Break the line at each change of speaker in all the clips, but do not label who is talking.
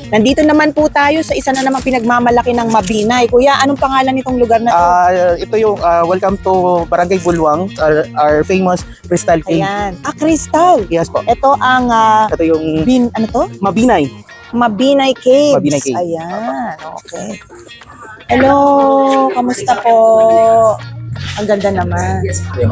Nandito naman po tayo sa isa na namang pinagmamalaki ng Mabinay. Kuya, anong pangalan nitong lugar na to?
Ito yung welcome to Barangay Bulwang, our famous Crystal Cave.
Ayan. Crystal.
Yes po.
Ito ang
Ito yung
ano to?
Mabinay.
Mabinay Caves.
Mabinay Cave.
Ayan. Okay. Hello. Kamusta po? Ang ganda naman.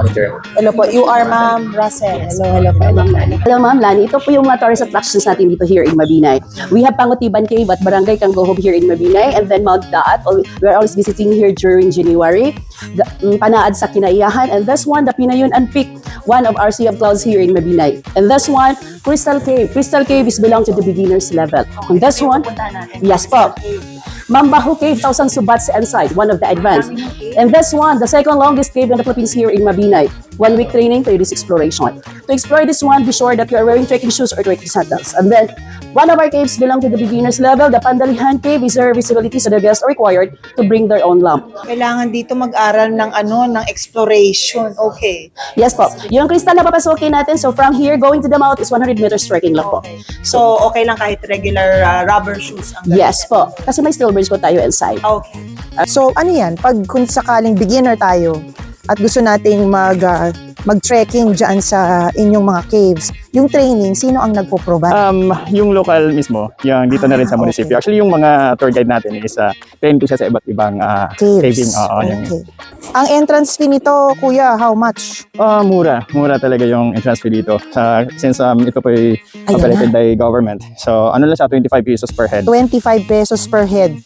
Hello po. You are Ma'am Russell. Hello po.
Hello Ma'am Lani, ito po yung mga tourist attractions natin dito here in Mabinay. We have Pangutiban Cave at Barangay Kanggohob here in Mabinay, and then Mount Daat. We're always visiting here during January. Panaad sa Kinaiyahan, and this one, the Pinayunan Peak, one of our Sea of Clouds here in Mabinay. And this one, Crystal Cave. Crystal Cave is belong to the beginners level. And this one, yes po. Mambahu Cave, 1,000 subats inside, one of the advanced. And this one, the second longest cave in the Philippines here in Mabinay. 1 week training for this exploration. To explore this one, be sure that you are wearing trekking shoes or trekking sandals. And then, one of our caves belong to the beginners level. The Pandalihan Cave is zero visibility, so the guests are required to bring their own lamp.
Kailangan dito mag-aral ng ng exploration. Okay.
Yes po. Yung crystal na papasukin natin, so from here, going to the mouth is 100 meters trekking lang po.
So, okay lang kahit regular rubber shoes ang
Yes po. Kasi may steel bridge po tayo inside.
Okay. So, ano yan? Pag kung sakaling beginner tayo at gusto nating mag-trekking dyan sa inyong mga caves, yung training, sino ang nagpo-provide?
Yung local mismo, yung dito na rin sa munisipyo.
Okay.
Actually, yung mga tour guide natin is trained po siya sa iba't ibang caving.
Okay. Ang entrance fee nito, kuya, how much?
Mura talaga yung entrance fee dito. Since ito po ay
Ayan
operated by government. So, ano lang siya, 25 pesos per head.
25 pesos per head.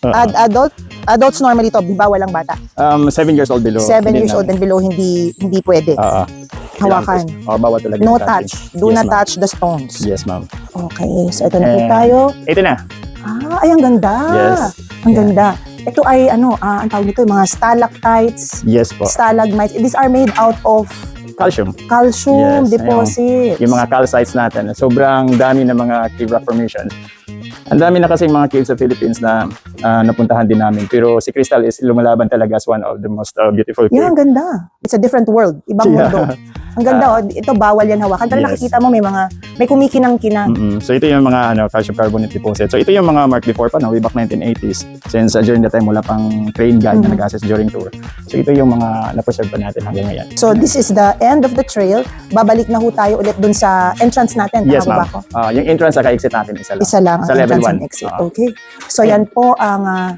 Adults normally to, di ba walang bata?
7 years old below.
7 years old and below, hindi pwede. Hawakan.
Bawat talaga.
No
yung
touch.
touching.
Do
Yes,
not
ma'am.
touch the stones.
Yes, ma'am.
Okay, so ito na po
And
tayo.
Ito na.
Ay, ang ganda.
Yes.
Ang ganda. Ito ay, ang tawag nito, mga stalactites,
Yes po.
stalagmites. These are made out of
Calcium.
calcium
Yes,
deposits.
Yung mga calcites natin, sobrang dami ng mga cave rock formations. Ang dami na kasi mga caves sa Philippines na napuntahan din namin. Pero si Crystal is lumalaban talaga as one of the most beautiful caves.
Yan, ang ganda. It's a different world. Ibang
Yeah.
mundo. Ang ganda, ito bawal yan hawakan. Pero
Yes.
nakikita mo may kumikinang-kinang.
So ito yung mga calcium carbonate deposit. So ito yung mga mark before pa, way back 1980s. Since during the time wala pang train guide na nag-assess during tour. So ito yung mga na-preserve pa natin hanggang ngayon.
So this is the end of the trail. Babalik na ho tayo ulit dun sa entrance natin.
Yes,
Tama
ma'am.
ba ako?
Yung entrance at exit natin isa lang.
Isa lang ang
Sa level
entrance
1.
and exit. Okay. So yan po ang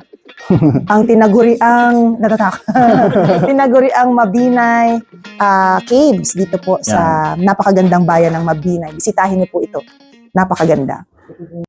tinaguriang tinaguriang Mabinay Caves dito po sa napakagandang bayan ng Mabinay. Bisitahin niyo po ito. Napakaganda.